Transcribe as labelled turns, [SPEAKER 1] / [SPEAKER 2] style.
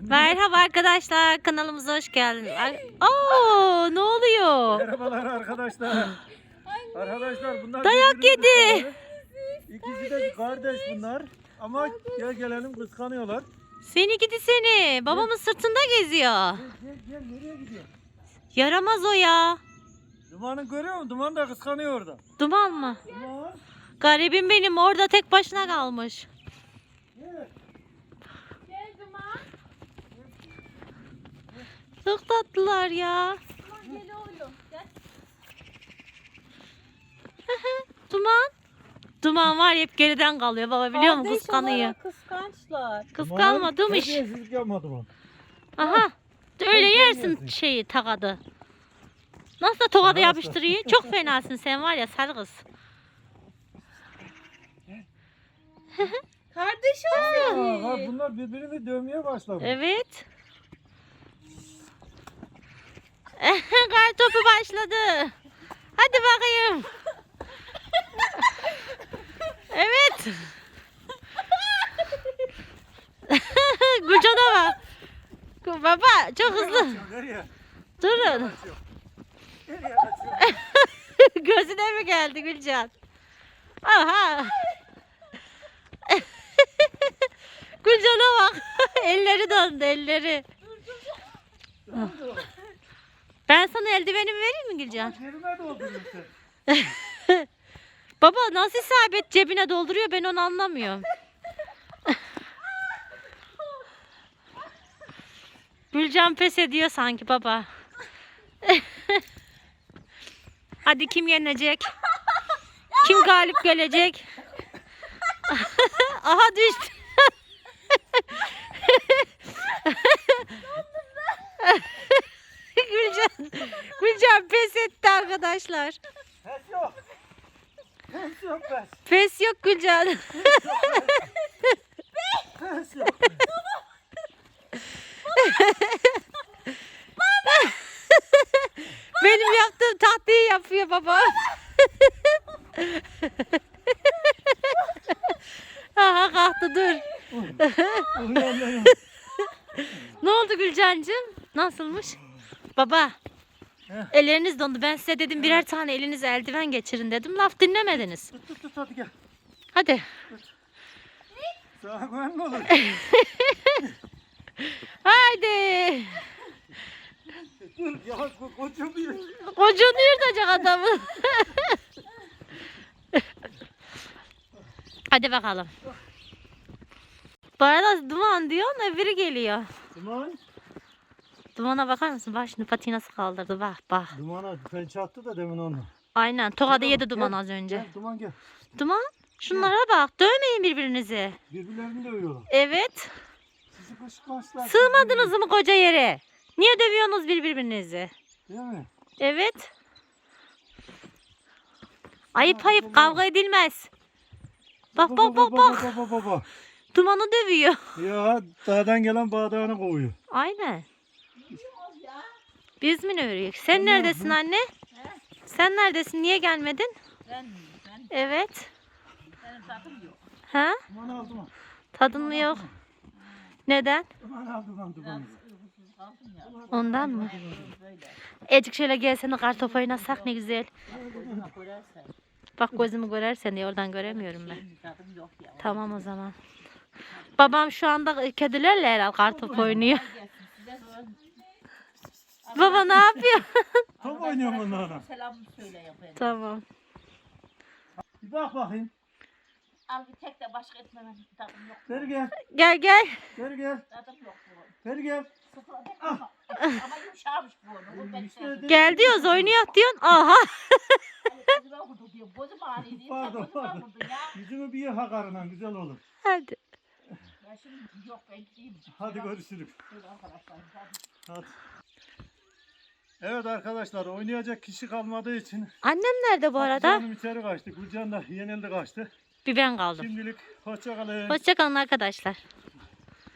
[SPEAKER 1] Merhaba arkadaşlar, kanalımıza hoş geldiniz. Oo, ne oluyor?
[SPEAKER 2] Merhabalar arkadaşlar. Arkadaşlar bunlar
[SPEAKER 1] Dayak
[SPEAKER 2] birbirinin
[SPEAKER 1] yedi.
[SPEAKER 2] kızları. İkisi de kardeş bunlar. Ama gel gelelim kıskanıyorlar.
[SPEAKER 1] Seni gidi seni. Babamın sırtında geziyor.
[SPEAKER 2] Gel nereye gidiyor?
[SPEAKER 1] Yaramaz o ya.
[SPEAKER 2] Dumanı görüyor musun? Duman da kıskanıyor orada.
[SPEAKER 1] Duman mı?
[SPEAKER 2] Duman.
[SPEAKER 1] Garibim benim, orada tek başına kalmış.
[SPEAKER 2] Gel.
[SPEAKER 1] Çok tatlılar ya. Duman. Duman var ya, hep geriden kalıyor baba, biliyor musun? Kıskanıyor.
[SPEAKER 3] Kıskançlar.
[SPEAKER 1] Kıskanmadım hiç.
[SPEAKER 2] Terbiyesizlik yapma Duman.
[SPEAKER 1] Aha. Öyle yersin şeyi, tokadı. Nasıl da tokadı
[SPEAKER 2] Nasıl?
[SPEAKER 1] yapıştırıyor? Çok fenasın sen, var ya sarı kız.
[SPEAKER 3] Kardeş o
[SPEAKER 2] Aa, bak
[SPEAKER 3] seni.
[SPEAKER 2] bunlar birbirini dövmeye başladı.
[SPEAKER 1] Evet. Kar topu başladı. Hadi bakayım. Evet. Gülcan'a bak. Baba çok hızlı.
[SPEAKER 2] Nereye?
[SPEAKER 1] Durun.
[SPEAKER 2] Nereye kaçıyor?
[SPEAKER 1] Gözüne mi geldi Gülcan? Aha. Gülcan'a bak. Elleri döndü, elleri. Ben sana eldivenimi vereyim mi Gülcan?
[SPEAKER 2] Cebime dolduruyorsun.
[SPEAKER 1] Baba nasıl isabet cebine dolduruyor, ben onu anlamıyorum. Gülcan pes ediyor sanki baba. Hadi kim yenecek? Kim galip gelecek? Aha düştü. Gülcan pes etti arkadaşlar.
[SPEAKER 2] Pes yok. Pes yok pes.
[SPEAKER 1] Pes yok Gülcan.
[SPEAKER 2] Pes yok.
[SPEAKER 1] Benim yaptığım tatlıyı yapıyor baba. Aha kalktı, dur.
[SPEAKER 2] Uyanmayın.
[SPEAKER 1] Ne oldu Gülcancığım? Nasılmış? Baba.
[SPEAKER 2] Heh.
[SPEAKER 1] Elleriniz dondu. Ben size dedim birer tane elinize eldiven geçirin dedim. Laf dinlemediniz.
[SPEAKER 2] Tut hadi gel.
[SPEAKER 1] Hadi.
[SPEAKER 2] Sana güven mi olur?
[SPEAKER 1] Haydi.
[SPEAKER 2] Dur ya koca bir.
[SPEAKER 1] Kocuğunu yırtacak adamı. Hadi bakalım. Bu arada Duman diyorsun, öbürü geliyor.
[SPEAKER 2] Duman.
[SPEAKER 1] Dumana bakar mısın? Bak şimdi patiği nasıl kaldırdı. Bak bak.
[SPEAKER 2] Dumana pençe attı da demin onu.
[SPEAKER 1] Aynen. Tokadı
[SPEAKER 2] Gel,
[SPEAKER 1] yedi Duman
[SPEAKER 2] gel,
[SPEAKER 1] az önce.
[SPEAKER 2] Gel, Duman gel.
[SPEAKER 1] Duman. Şunlara bak. Dövmeyin birbirinizi.
[SPEAKER 2] Birbirlerini dövüyorlar.
[SPEAKER 1] Evet.
[SPEAKER 2] Sizi kışkırtmışlar.
[SPEAKER 1] Sığmadınız mı koca yere? Niye dövüyorsunuz birbirinizi?
[SPEAKER 2] Değil mi?
[SPEAKER 1] Evet. Ayıp ayıp, kavga edilmez. Bak bak bak bak.
[SPEAKER 2] Bak.
[SPEAKER 1] Dumanı dövüyor.
[SPEAKER 2] Ya dağdan gelen bağdağını kovuyor.
[SPEAKER 1] Aynen. Biz mi örüyoruz? Sen
[SPEAKER 2] Tamam,
[SPEAKER 1] neredesin anne? Sen neredesin? Niye gelmedin?
[SPEAKER 3] Ben
[SPEAKER 1] Evet.
[SPEAKER 3] benim tadım yok.
[SPEAKER 1] Ha?
[SPEAKER 2] Duman al duman.
[SPEAKER 1] Tadın mı yok? Neden?
[SPEAKER 2] Duman al duman duman.
[SPEAKER 3] Uykusuz kaldım ya.
[SPEAKER 1] Ondan mı?
[SPEAKER 3] Böyle.
[SPEAKER 1] Ecik şöyle gelsene, kartopu oynasak ne güzel.
[SPEAKER 3] Gözüme koyarsan.
[SPEAKER 1] Bak gözümü görersen diye, oradan göremiyorum ben.
[SPEAKER 3] Benim tadım yok ya.
[SPEAKER 1] Tamam o zaman. Babam şu anda kedilerle herhalde kartopu oynuyor.
[SPEAKER 3] Gelsin size sonra
[SPEAKER 1] Baba ne yapıyor?
[SPEAKER 2] Top oynuyorum onlarla.
[SPEAKER 3] selamını söyle ya benim.
[SPEAKER 1] Tamam.
[SPEAKER 2] Bir bak bakayım.
[SPEAKER 3] Al bir tek de başka etmem tadım yok.
[SPEAKER 2] Ver gel.
[SPEAKER 1] Gel gel.
[SPEAKER 2] Ver gel.
[SPEAKER 3] Tadım yok bu.
[SPEAKER 2] Ver gel.
[SPEAKER 3] Sıfıra tek ama. Ama yumuşamış bu onu. Bu pek
[SPEAKER 2] İşte
[SPEAKER 3] sevdim.
[SPEAKER 1] Gel diyoruz, oynuyor diyorsun. Aha.
[SPEAKER 3] Hani gözüme vurdu diyor. Gözüm ağrıyor diye.
[SPEAKER 2] Pardon,
[SPEAKER 3] Gözüme
[SPEAKER 2] pardon.
[SPEAKER 3] vurdu ya.
[SPEAKER 2] Yüzümü bir yıka karından güzel olur.
[SPEAKER 1] Hadi.
[SPEAKER 3] Ya şimdi yok ben gideyim.
[SPEAKER 2] Hadi görüşürüz.
[SPEAKER 3] Şöyle arkadaşlar. Hadi.
[SPEAKER 2] Hadi. Evet arkadaşlar, oynayacak kişi kalmadığı için
[SPEAKER 1] Annem nerede bu arada?
[SPEAKER 2] Canım içeri kaçtı. Gülcan da yenildi kaçtı.
[SPEAKER 1] Bir ben kaldım.
[SPEAKER 2] Şimdilik hoşça kalın.
[SPEAKER 1] Hoşçakalın arkadaşlar.